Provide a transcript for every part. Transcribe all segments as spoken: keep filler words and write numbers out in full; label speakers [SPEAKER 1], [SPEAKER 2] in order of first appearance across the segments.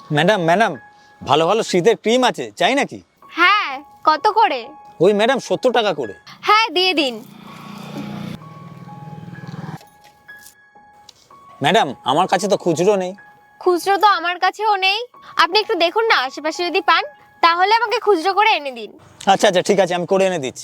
[SPEAKER 1] Madam madam ভালো ভালো শীতের ক্রিম আছে, চাই নাকি?
[SPEAKER 2] হ্যাঁ, কত করে?
[SPEAKER 1] ওই ম্যাডাম সত্তর টাকা করে।
[SPEAKER 2] হ্যাঁ, দিয়ে দিন।
[SPEAKER 1] ম্যাডাম আমার কাছে তো খুচরো নেই।
[SPEAKER 2] খুচরো তো আমার কাছেও নেই। আপনি একটু দেখুন না, আশেপাশে যদি পান তাহলে আমাকে খুচরো করে এনে দিন।
[SPEAKER 1] আচ্ছা আচ্ছা ঠিক আছে, আমি করে এনে দিচ্ছি।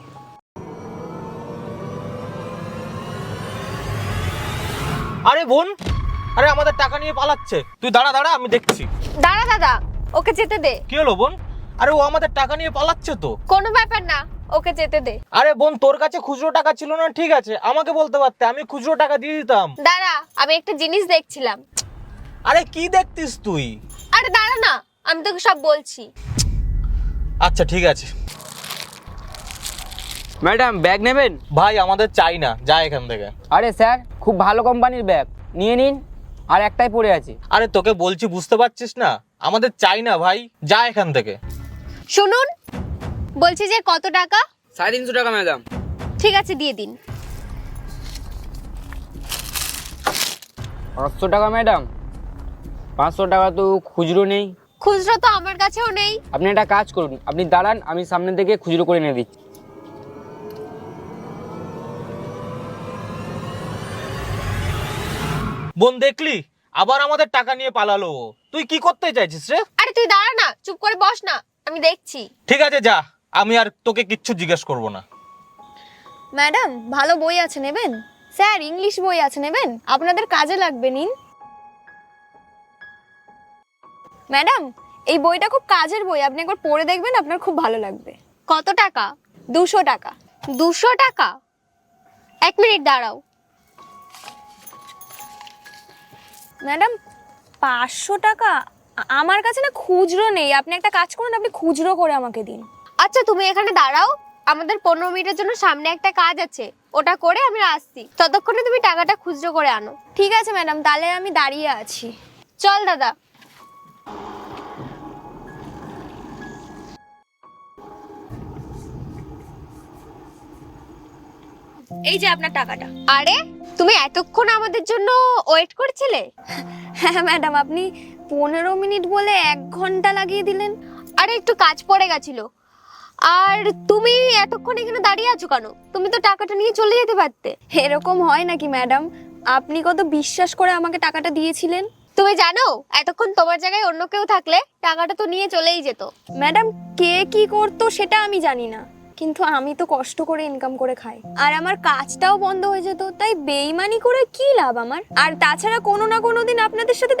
[SPEAKER 3] আরে বোন, আরে আমাদের টাকা নিয়ে পালাচ্ছে। তুই দাঁড়া দাঁড়া, আমি দেখছি।
[SPEAKER 2] দাঁড়া দাদা, ওকে যেতে দে।
[SPEAKER 3] কি হলো বোন? আরে ও আমাদের টাকা নিয়ে পালাচ্ছে তো।
[SPEAKER 2] কোনো ব্যাপার না, ওকে যেতে দে।
[SPEAKER 3] আরে বোন, তোর কাছে খুচরো টাকা ছিল না, ঠিক আছে, আমাকে বলতে পারতে, আমি খুচরো টাকা দিয়ে দিতাম।
[SPEAKER 2] দাঁড়া, আমি একটা জিনিস দেখছিলাম।
[SPEAKER 3] আরে কি দেখতিস তুই?
[SPEAKER 2] আরে দাঁড়া না, আমি তোকে সব বলছি।
[SPEAKER 3] আচ্ছা ঠিক আছে।
[SPEAKER 4] ম্যাডাম ব্যাগ নেবেন?
[SPEAKER 3] ভাই আমাদের চাই না, যা এখান থেকে।
[SPEAKER 4] আরে স্যার, খুব ভালো কোম্পানির ব্যাগ, নিয়ে নিন। আর একটাই পড়ে আছে।
[SPEAKER 3] আরে তোকে বলছি, বুঝতে পারছিস না? আমাদের চাই না ভাই, যা এখান থেকে।
[SPEAKER 2] শুনুন, বলছি যে কত টাকা?
[SPEAKER 4] সাড়ে তিনশো টাকা ম্যাডাম।
[SPEAKER 2] ঠিক আছে, দিয়ে দিন।
[SPEAKER 4] পাঁচশো টাকা ম্যাডাম। পাঁচশো টাকা তো খুচরো নেই।
[SPEAKER 2] খুচরো তো আমার কাছেও নেই।
[SPEAKER 4] আপনি একটা কাজ করুন, আপনি দাঁড়ান, আমি সামনে থেকে খুচরো করে এনে দিচ্ছি।
[SPEAKER 3] বোন দেখলি, আবার আমাদের টাকা নিয়ে পালালো ও। তুই কি করতে চাইছিস রে?
[SPEAKER 2] আরে তুই দাঁড়া না, চুপ করে বস না, আমি দেখছি।
[SPEAKER 3] ঠিক আছে যা, আমি আর তোকে কিচ্ছু জিজ্ঞেস করব না।
[SPEAKER 5] ম্যাডাম, ভালো বই আছে নেবেন? স্যার, ইংলিশ বই আছে নেবেন? আপনাদের কাজে লাগবে, নিন। ম্যাডাম, এই বইটা খুব কাজের বই, আপনি একবার পড়ে দেখবেন, আপনার খুব ভালো লাগবে।
[SPEAKER 2] কত টাকা?
[SPEAKER 5] দুশো টাকা।
[SPEAKER 2] দুশো টাকা? এক মিনিট দাঁড়াও।
[SPEAKER 5] ম্যাডাম, পাঁচশো টাকা? আ- আমার কাছে না খুচরো নেই, আপনি একটা কাজ করুন, আপনি খুচরো করে আমাকে দিন।
[SPEAKER 2] আচ্ছা তুমি এখানে দাঁড়াও, আমাদের পনেরো মিনিটের জন্য সামনে একটা কাজ আছে, ওটা করে আমি আসছি। ততক্ষণে তুমি টাকাটা খুচরো করে আনো।
[SPEAKER 5] ঠিক আছে ম্যাডাম, তাহলে আমি দাঁড়িয়ে আছি।
[SPEAKER 2] চল দাদা।
[SPEAKER 5] এই যে আপনার টাকাটা।
[SPEAKER 2] আরে তুমি এতক্ষণ আমাদের জন্য ওয়েট করছিলে?
[SPEAKER 5] হ্যাঁ ম্যাডাম, আপনি পনেরো মিনিট বলে এক ঘন্টা লাগিয়ে দিলেন।
[SPEAKER 2] আরে একটু কাজ পড়ে গেছিল। আর তুমি এতক্ষণ এখানে দাঁড়িয়ে আছো কেন? তুমি তো টাকাটা নিয়ে চলে যেতে পারতে।
[SPEAKER 5] এরকম হয় নাকি ম্যাডাম? আপনি কত বিশ্বাস করে আমাকে টাকাটা দিয়েছিলেন।
[SPEAKER 2] তুমি জানো, এতক্ষণ তোমার জায়গায় অন্য কেউ থাকলে টাকাটা তো নিয়ে চলেই যেত।
[SPEAKER 5] ম্যাডাম, কে কি করতো সেটা আমি জানি না, কিন্তু আমি তো কষ্ট করে ইনকাম করে খাই, আর আমার কাজটাও বন্ধ হয়ে যেত, তাই বেইমানি করে কি লাভ আমার? আর তাছাড়া কোনো না কোনো দিন আপনাদের সাথে